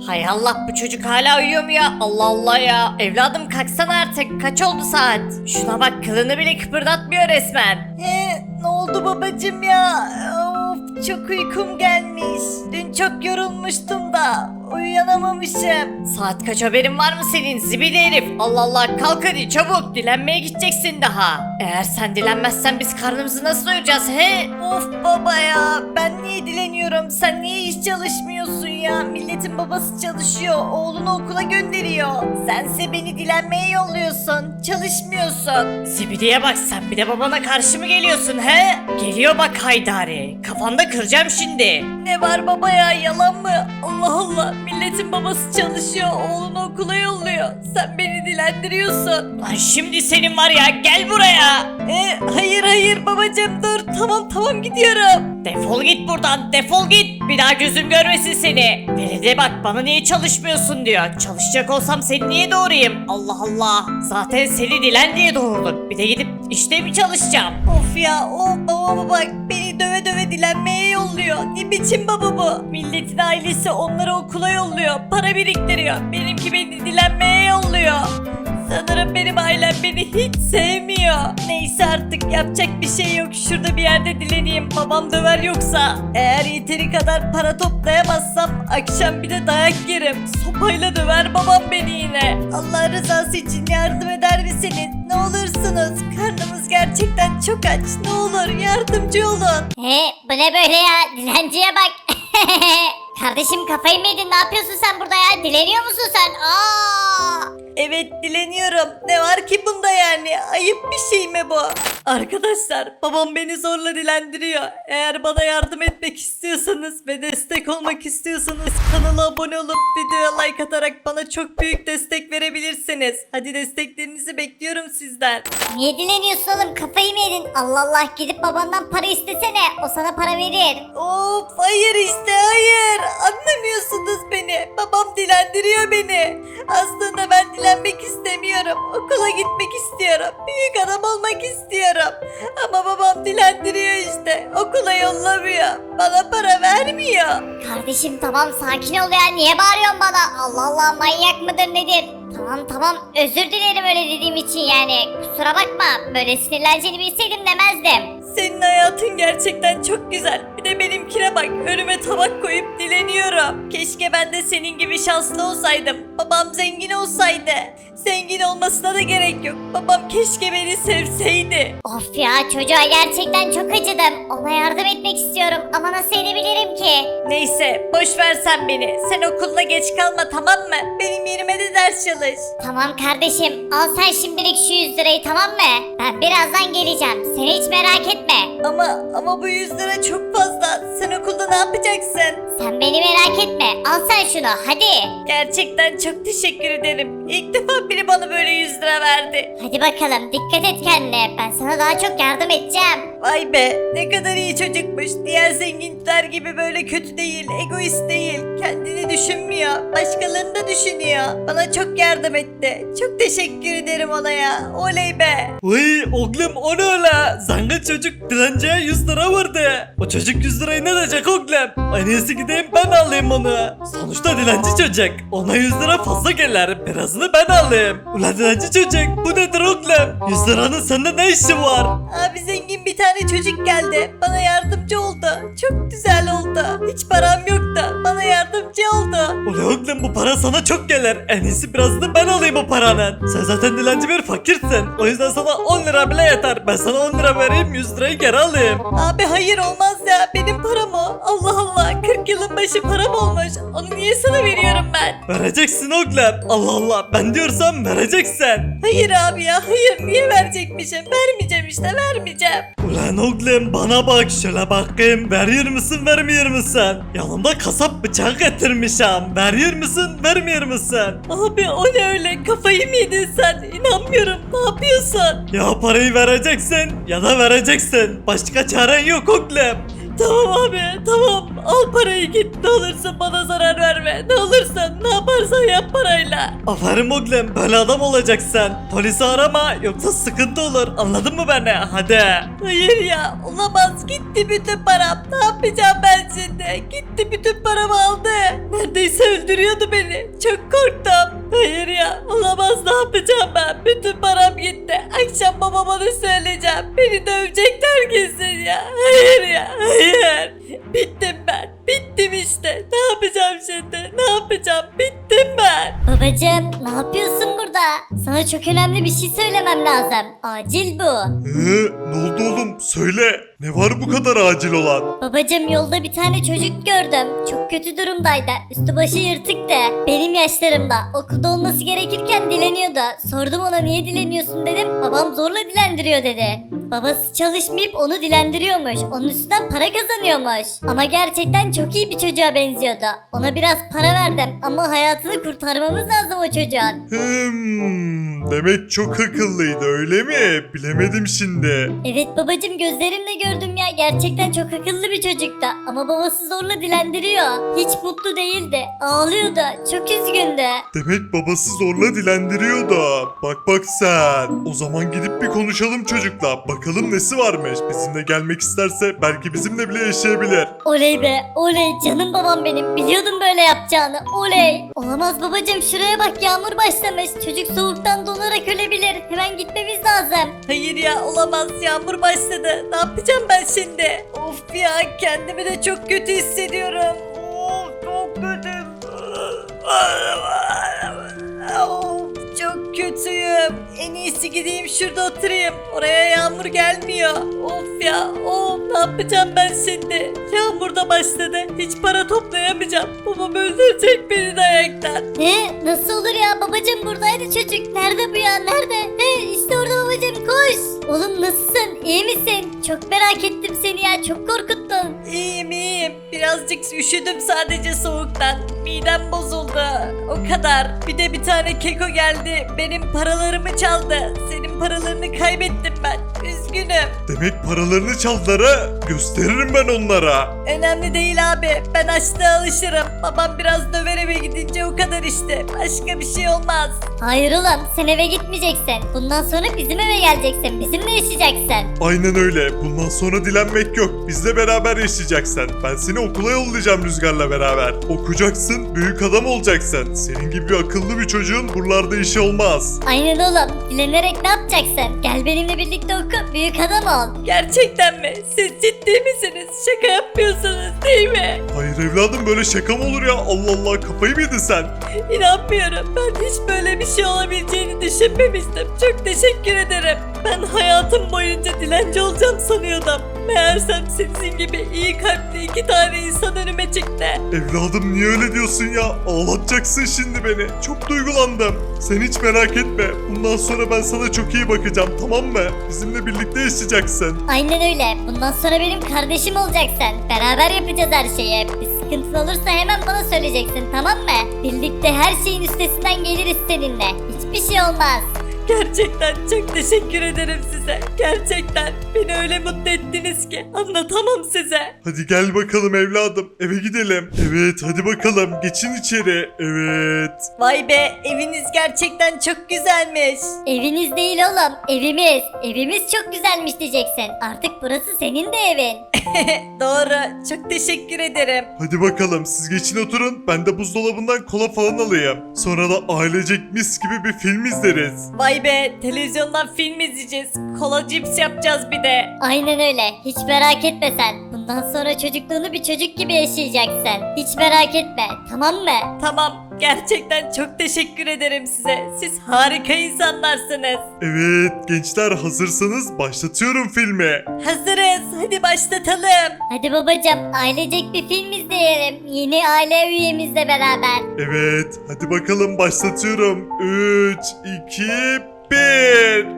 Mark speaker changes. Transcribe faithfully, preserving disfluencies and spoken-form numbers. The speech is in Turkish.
Speaker 1: Hay Allah, bu çocuk hala uyuyor mu ya? Allah Allah ya. Evladım kalksana artık. Kaç oldu saat? Şuna bak, kılını bile kıpırdatmıyor resmen. He, ne oldu babacım ya? Of, çok uykum gelmiş. Dün çok yorulmuştum da uyanamamışım. Saat kaç, haberin var mı senin zibidi herif? Allah Allah, kalk hadi çabuk, dilenmeye gideceksin daha. Eğer sen dilenmezsen biz karnımızı nasıl doyuracağız he? Of baba ya, ben niye dileniyorum? Sen niye hiç çalışmıyorsun ya? Milletin babası çalışıyor, oğlunu okula gönderiyor. Sense beni dilenmeye yolluyorsun, çalışmıyorsun. Zibidiye bak, sen bir de babana karşı mı geliyorsun he? Geliyor bak Haydari, kafanda kıracağım şimdi. Ne var baba ya, yalan mı? Allah Allah, milletin babası çalışıyor, oğlunu okula yolluyor. Sen beni dilendiriyorsun. Lan şimdi senin var ya, gel buraya. E, hayır hayır babacığım, dur, tamam tamam gidiyorum. Defol git buradan, defol git. Bir daha gözüm görmesin seni. Velide bak, bana niye çalışmıyorsun diyor. Çalışacak olsam seni niye doğurayım? Allah Allah. Zaten seni dilen diye doğurduk. Bir de gidip işte mi çalışacağım? Of ya, o baba bak, beni döve döve dilenmeye yolluyor. Ne biçim baba bu? Milletin ailesi onları okula yolluyor, para biriktiriyor. Benimki beni dilenmeye yolluyor. Sanırım benim ailem beni hiç sevmiyor. Neyse artık, yapacak bir şey yok. Şurada bir yerde dileneyim, babam döver yoksa. Eğer yeteri kadar para toplayamazsam akşam bir de dayak yerim. Sopayla döver babam beni yine. Allah rızası için yardım eder misiniz? Ne olursunuz. Karnımız gerçekten çok aç. Ne olur yardımcı olun.
Speaker 2: He, bu ne böyle ya? Dilenciye bak. Kardeşim, kafayı mı yedin? Ne yapıyorsun sen burada ya? Dileniyor musun sen? Aa!
Speaker 1: Evet, dileniyorum. Ne var ki bunda yani? Ayıp bir şey mi bu? Arkadaşlar, babam beni zorla dilendiriyor. Eğer bana yardım etmek istiyorsanız ve destek olmak istiyorsanız kanala abone olup videoya like atarak bana çok büyük destek verebilirsiniz. Hadi desteklerinizi bekliyorum sizden.
Speaker 2: Niye dileniyorsun oğlum? Kafayı mı yedin? Allah Allah, gidip babandan para istesene. O sana para verir.
Speaker 1: Of, hayır işte hayır. Anlamıyorsunuz beni. Babam dilendiriyor beni. Aslında ben dilenmek istemiyorum. Okula gitmek istiyorum. Büyük adam olmak istiyorum. Ama babam dilendiriyor işte. Okula yollamıyor. Bana para vermiyor.
Speaker 2: Kardeşim tamam, sakin ol ya. Niye bağırıyorsun bana? Allah Allah, manyak mıdır nedir? Tamam tamam, özür dilerim öyle dediğim için yani. Kusura bakma, böyle sinirleneceğini bilseydim demezdim.
Speaker 1: Senin hayatın gerçekten çok güzel. Bir de benimkine bak, önüme tabak koyup dileniyorum. Keşke ben de senin gibi şanslı olsaydım. Babam zengin olsaydı. Zengin olmasına da gerek yok. Babam keşke beni sevseydi.
Speaker 2: Of ya, çocuğa gerçekten çok acıdım. Ona yardım etmek istiyorum ama nasıl edebilirim ki?
Speaker 1: Neyse, boş ver sen beni. Sen okuluna geç kalma, tamam mı? Benim yerime de ders çalış.
Speaker 2: Tamam kardeşim, al sen şimdilik şu yüz lirayı, tamam mı? Ben birazdan geleceğim. Sen hiç merak etme.
Speaker 1: Ama ama bu yüz lira çok fazla. Sen okulda ne yapacaksın?
Speaker 2: Sen beni merak etme. Al sen şunu, hadi.
Speaker 1: Gerçekten çok teşekkür ederim. İlk defa biri bana böyle yüz lira verdi.
Speaker 2: Hadi bakalım, dikkat et kendine. Ben sana daha çok yardım edeceğim.
Speaker 1: Vay be, ne kadar iyi çocukmuş. Diğer zenginler gibi böyle kötü değil, egoist değil. Kendini düşünmüyor, başkalarını da düşünüyor. Bana çok yardım etti. Çok teşekkür ederim ona ya. Oley be.
Speaker 3: Uy oğlum, o ne öyle? Zengin çocuk dilenciye yüz lira verdi. O çocuk yüz lirayı ne edecek oğlum? En iyisi gideyim ben alayım onu. Sonuçta dilenci çocuk. Ona yüz lira fazla gelir. Birazını ben alayım. Ulan dilenci çocuk, bu nedir oğlum? yüz liranın sende ne işi var?
Speaker 1: Abi zengin bir tane çocuk geldi. Bana yardımcı oldu. Çok güzel oldu. Hiç param yoktu. Bana yardımcı oldu.
Speaker 3: Ulan oğlum, bu para sana çok gelir. En iyisi birazını ben alayım o paranın. Sen zaten dilenci bir fakirsin. O yüzden sana on lira bile yeter. Ben sana on lira vereyim, yüz lirayı geri alayım.
Speaker 1: Abi hayır, olmaz ya. Benim param o. Allah Allah. kırk yılın başı param olmuş. Onu niye sana veriyorum ben?
Speaker 3: Vereceksin oğlum. Allah Allah, ben diyorsam vereceksin.
Speaker 1: Hayır abi ya. Hayır. Niye verecekmişim? Vermeyeceğim işte. Vermeyeceğim.
Speaker 3: Ulan oğlum, bana bak şöyle bakayım. Veriyor musun, vermiyor musun? Yanımda kasap bıçağı getirmişim. Veriyor musun, vermiyor musun?
Speaker 1: Abi o ne öyle? Kafayı mı yedin sen? İnanmıyorum. Ne yapıyorsun?
Speaker 3: Ya parayı vereceksin ya da vereceksin. Başka çaren yok oğlum.
Speaker 1: Tamam abi. Tamam. Al parayı git. Ne olursun bana zarar verme. Ne olursun ne yaparsan yap parayla.
Speaker 3: Aferin oğlum böyle adam olacaksın. Polisi arama yoksa sıkıntı olur anladın mı beni hadi.
Speaker 1: Hayır ya olamaz gitti bütün param. Ne yapacağım ben şimdi? Gitti bütün paramı aldı. Neredeyse öldürüyordu beni. Çok korktum. Hayır ya olamaz ne yapacağım ben? Bütün param gitti. Akşam babama da söyleyeceğim. Beni dövecekler kesin ya. Hayır ya hayır. Bittim ben. Bittim işte. Ne yapacağım şimdi? Ne yapacağım? Bittim ben.
Speaker 2: Babacım ne yapıyorsun burada? Sana çok önemli bir şey söylemem lazım. Acil bu.
Speaker 4: Ee, ne oldu oğlum? Söyle. Ne var bu kadar acil olan?
Speaker 2: Babacım yolda bir tane çocuk gördüm. Çok kötü durumdaydı. Üstü başı yırtıktı. Benim yaşlarımda. Okulda olması gerekirken dileniyordu. Sordum ona niye dileniyorsun dedim. Babam zorla dilendiriyor dedi. Babası çalışmayıp onu dilendiriyormuş. Onun üstünden para kazanıyormuş. Ama gerçekten çok iyi bir çocuğa benziyordu. Ona biraz para verdim ama hayatını kurtarmamız lazım o çocuğun.
Speaker 4: Hmm, demek çok akıllıydı öyle mi? Bilemedim şimdi.
Speaker 2: Evet babacım gözlerimle gördüm ya. Gerçekten çok akıllı bir çocuktu. Ama babası zorla dilendiriyor. Hiç mutlu değildi. Ağlıyordu. Çok üzgündü.
Speaker 4: Demek babası zorla dilendiriyordu. Bak bak sen. O zaman gidip bir konuşalım çocukla. Bakalım nesi varmış. Bizimle gelmek isterse belki bizimle bile yaşayabilir.
Speaker 2: Oley be oley canım babam benim. Biliyordum böyle yapacağını. Oley. Olamaz babacım şuraya bak yağmur başlamış. Çocuk soğuktan donarak ölebilir. Hemen gitmemiz lazım.
Speaker 1: Hayır ya olamaz yağmur başladı. Ne yapacağım ben şimdi? Of ya kendimi de çok kötü hissediyorum. Of çok kötü. Of çok kötüyüm. En iyisi gideyim şurada oturayım. Oraya yağmur gelmiyor. Of ya of ne yapacağım ben şimdi? Yağmur da başladı. Hiç para toplayamayacağım. Babam öldürecek beni de ayaktan.
Speaker 2: Ne? Nasıl olur ya babacım buradaydı çocuk. Nerede bu ya nerede? He işte orada babacım koş. Oğlum nasılsın? İyi misin? Çok merak ettim seni ya. Çok korkuttun.
Speaker 1: İyiyim iyiyim. Birazcık üşüdüm sadece soğuktan. Midem bozuldu. O kadar. Bir de bir tane keko geldi. Benim paralarımı çaldı. Senin paralarını kaybettim ben. Üzgünüm.
Speaker 4: Demek paralarını çaldılar ha? Gösteririm ben onlara.
Speaker 1: Önemli değil abi. Ben açlığa alışırım. Babam biraz döver eve gidince o kadar işte. Başka bir şey olmaz.
Speaker 2: Hayır oğlum sen eve gitmeyeceksin. Bundan sonra bizim eve geleceksin. Bizimle yaşayacaksın.
Speaker 4: Aynen öyle. Bundan sonra dilenmek yok. Bizle beraber yaşayacaksın. Ben seni okula yollayacağım Rüzgar'la beraber. Okuyacaksın, büyük adam olacaksın. Senin gibi akıllı bir çocuğun buralarda işi olmaz.
Speaker 2: Aynen oğlum. Dilenerek ne yapacaksın? Gel benimle birlikte oku. Büyük adam ol.
Speaker 1: Gerçekten mi? Siz ciddi misiniz? Şaka yapmıyorsunuz değil mi?
Speaker 4: Hayır evladım böyle şaka mı olur ya? Allah Allah kafayı mı yedin sen?
Speaker 1: İnanmıyorum. Ben hiç böyle bir şey olabileceğini düşünmemiştim. Çok teşekkür ederim. Ben hayatım boyunca dilenci olacağım sanıyordum. Meğersem sizin gibi iyi kalpli iki tane insan önüme çıktı.
Speaker 4: Evladım niye öyle diyorsun ya? Ağlatacaksın şimdi beni. Çok duygulandım. Sen hiç merak etme. Bundan sonra ben sana çok iyi bakacağım tamam mı? Bizimle birlikte yaşayacaksın.
Speaker 2: Aynen öyle. Bundan sonra benim kardeşim olacaksın. Beraber yapacağız her şeyi. Bir sıkıntın olursa hemen bana söyleyeceksin tamam mı? Birlikte her şeyin üstesinden geliriz seninle. Hiçbir şey olmaz.
Speaker 1: Gerçekten çok teşekkür ederim size. Gerçekten beni öyle mutlu ettiniz ki anlatamam size.
Speaker 4: Hadi gel bakalım evladım. Eve gidelim. Evet hadi bakalım. Geçin içeri. Evet.
Speaker 1: Vay be eviniz gerçekten çok güzelmiş.
Speaker 2: Eviniz değil oğlum. Evimiz. Evimiz çok güzelmiş diyeceksin. Artık burası senin de evin.
Speaker 1: Doğru çok teşekkür ederim.
Speaker 4: Hadi bakalım siz geçin oturun. Ben de buzdolabından kola falan alayım. Sonra da ailecek mis gibi bir film izleriz.
Speaker 1: Vay be televizyondan film izleyeceğiz. Kola cips yapacağız bir de.
Speaker 2: Aynen öyle. Hiç merak etme sen. Bundan sonra çocukluğunu bir çocuk gibi yaşayacaksın. Hiç merak etme. Tamam mı?
Speaker 1: Tamam gerçekten çok teşekkür ederim size. Siz harika insanlarsınız.
Speaker 4: Evet gençler hazırsanız başlatıyorum filmi.
Speaker 1: Hazırız hadi başlatalım.
Speaker 2: Hadi babacığım ailecek bir film izleyelim. Yeni aile üyemizle beraber.
Speaker 4: Evet hadi bakalım başlatıyorum. üç, iki, bir.